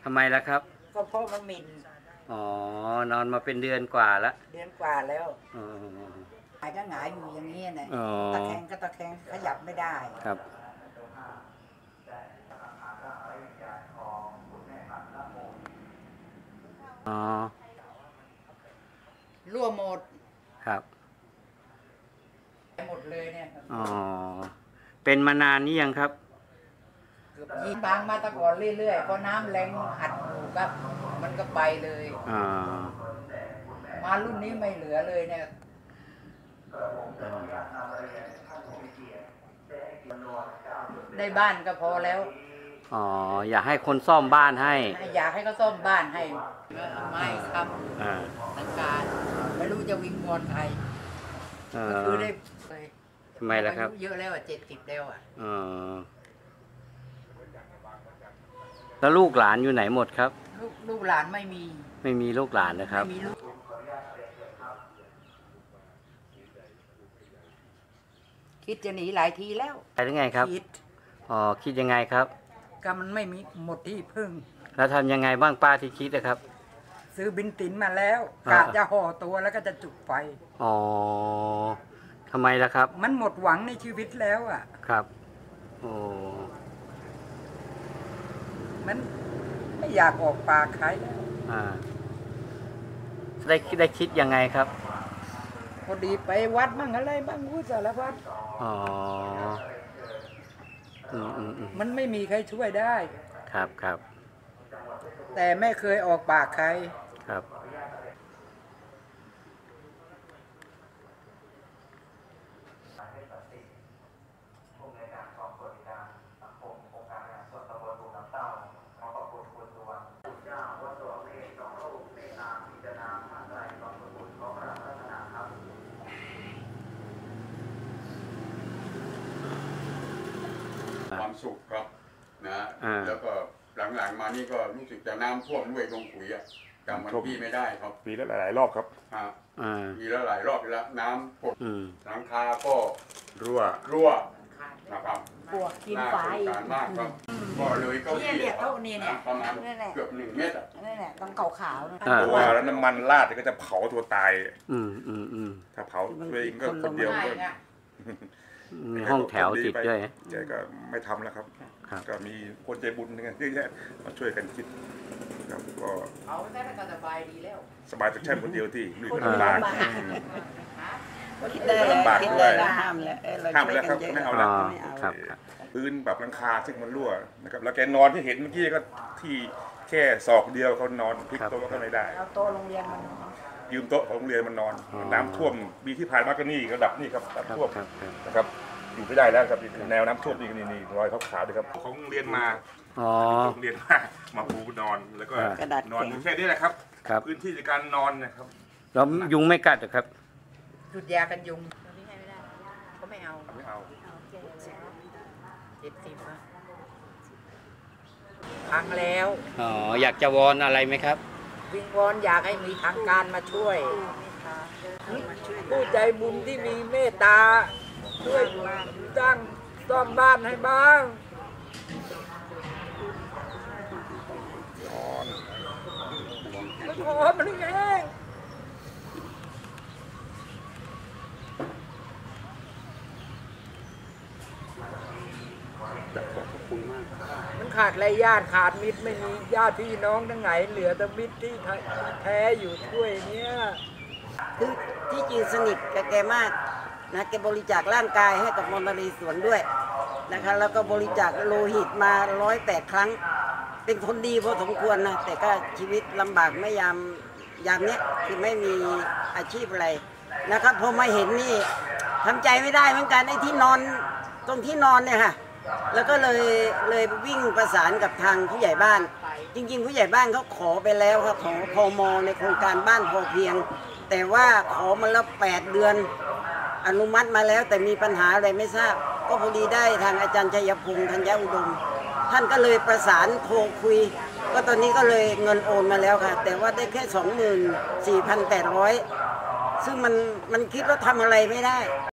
ำไมล่ะครับก็เพราะมันหมิ่นอ๋อนอนมาเป็นเดือนกว่าแล้วเดือนกว่าแล้วอ๋อหายก็หงายอยู่อย่างนี้นะตะแคงก็ตะแคงขยับไม่ได้ครับอ๋อรั่วหมดครับหมดเลยเนี่ยอ๋อเป็นมานานนี้ยังครับเกือบยีบางมาตะก่อนเรื่อยๆพอน้ำแรงหัดอยู่ก็มันก็ไปเลยมารุ่นนี้ไม่เหลือเลยเนี่ยได้บ้านก็พอแล้วอ๋ออยากให้คนซ่อมบ้านให้อยากให้เขาซ่อมบ้านให้ไม่ครับทางการไม่รู้จะวิงวอนใครก็คือได้เลยทำไมล่ะครับเยอะแล้ว70แล้วแล้วลูกหลานอยู่ไหนหมดครับลูกหลานไม่มีลูกหลานนะครับคิดจะหนีหลายทีแล้วไปได้ไงครับคิดยังไงครับก็มันไม่มีหมดที่พึ่งแล้วทำยังไงบ้างป้าที่คิดนะครับซื้อบินตินมาแล้วกะจะห่อตัวแล้วก็จะจุดไฟอ๋อทำไมล่ะครับมันหมดหวังในชีวิตแล้วครับโอ้มันไม่อยากออกปากใครแล้วได้คิดยังไงครับพอดีไปวัดบ้างอะไรบ้างสารพัดอ๋อมันไม่มีใครช่วยได้ครับแต่ไม่เคยออกปากใครครับความสุขครับนะแล้วก็หลังๆมานี่ก็รู้สึกจะน้ำท่วมด้วยลงขุยจำวันที่ไม่ได้ครับปีละหลายรอบครับปีละหลายรอบแล้วน้ำปดหลังคาก็รั่วนะครับปวกกินไฟมากครับก็เลยก็เรียกเขาเนี่ยประมาณเกือบ1 เมตรนั่นแหละต้องขาวๆเพราะว่าแล้วน้ำมันราดก็จะเผาตัวตายถ้าเผาตัวเองก็คนเดียวก็มีห้องแถวติดด้วยแกก็ไม่ทำแล้วครับก็มีคนใจบุญกันเยอะแยะมาช่วยกันคิดครับก็เอาได้ก็สบายดีแล้วสบายแต่แค่คนเดียวที่ลุยลำบากคิดได้ลำบากด้วยห้ามแล้วครับไม่เอาแล้วพื้นแบบหลังคาซึ่งมันรั่วนะครับแล้วแกนอนที่เห็นเมื่อกี้ก็ที่แค่ศอกเดียวเขานอนพลิกโต๊ะก็ไม่ได้เอาโต๊ะโรงเรียนมันยืมโต๊ะของโรงเรียนมันนอนน้ำท่วมปีที่ผ่านมาก็นี่ระดับนี่ครับน้ำท่วมนะครับอยู่ไม่ได้แล้วครับแนวน้ำท่วมนี่รอยขาวๆด้วยครับของโรงเรียนมาโรงเรียนมาปูนอนแล้วก็นอนแค่นี้แหละครับพื้นที่ในการนอนนะครับแล้วยุงไม่กัดหรอครับจุดยากันยุงก็ไม่เอา70พังแล้วอยากจะวอนอะไรไหมครับวิงวอนอยากให้มีทางการมาช่วยผู้ใจบุญที่มีเมตตาช่วยสร้างซ่อมบ้านให้บ้างมันขอมันเองมันขาดอะไรญาติขาดมิตรไม่มีญาติพี่น้องทั้งไหนเหลือแต่มิตรที่แท้อยู่ช่วยเนี้ยคือที่จริงสนิทกับแกมากนะแกบริจาคร่างกายให้กับมนตรีสวนด้วยนะคะแล้วก็บริจาคโลหิตมา108 ครั้งเป็นคนดีพอสมควรนะแต่ก็ชีวิตลำบากไม่ยามเนี้ยคือไม่มีอาชีพอะไรนะครับพอมาเห็นนี่ทำใจไม่ได้เหมือนกันไอ้ที่นอนตรงที่นอนเนี่ยค่ะแล้วก็เลยวิ่งประสานกับทางผู้ใหญ่บ้านจริงๆผู้ใหญ่บ้านเขาขอไปแล้วครับของพม.ในโครงการบ้านพอเพียงแต่ว่าขอมาแล้ว8 เดือนอนุมัติมาแล้วแต่มีปัญหาอะไรไม่ทราบก็พอดีได้ทางอาจารย์ชัยพงษ์ธัญอุดมท่านก็เลยประสานโทรคุยก็ตอนนี้ก็เลยเงินโอนมาแล้วค่ะแต่ว่าได้แค่ 24,800 ซึ่งมันคิดว่าทำอะไรไม่ได้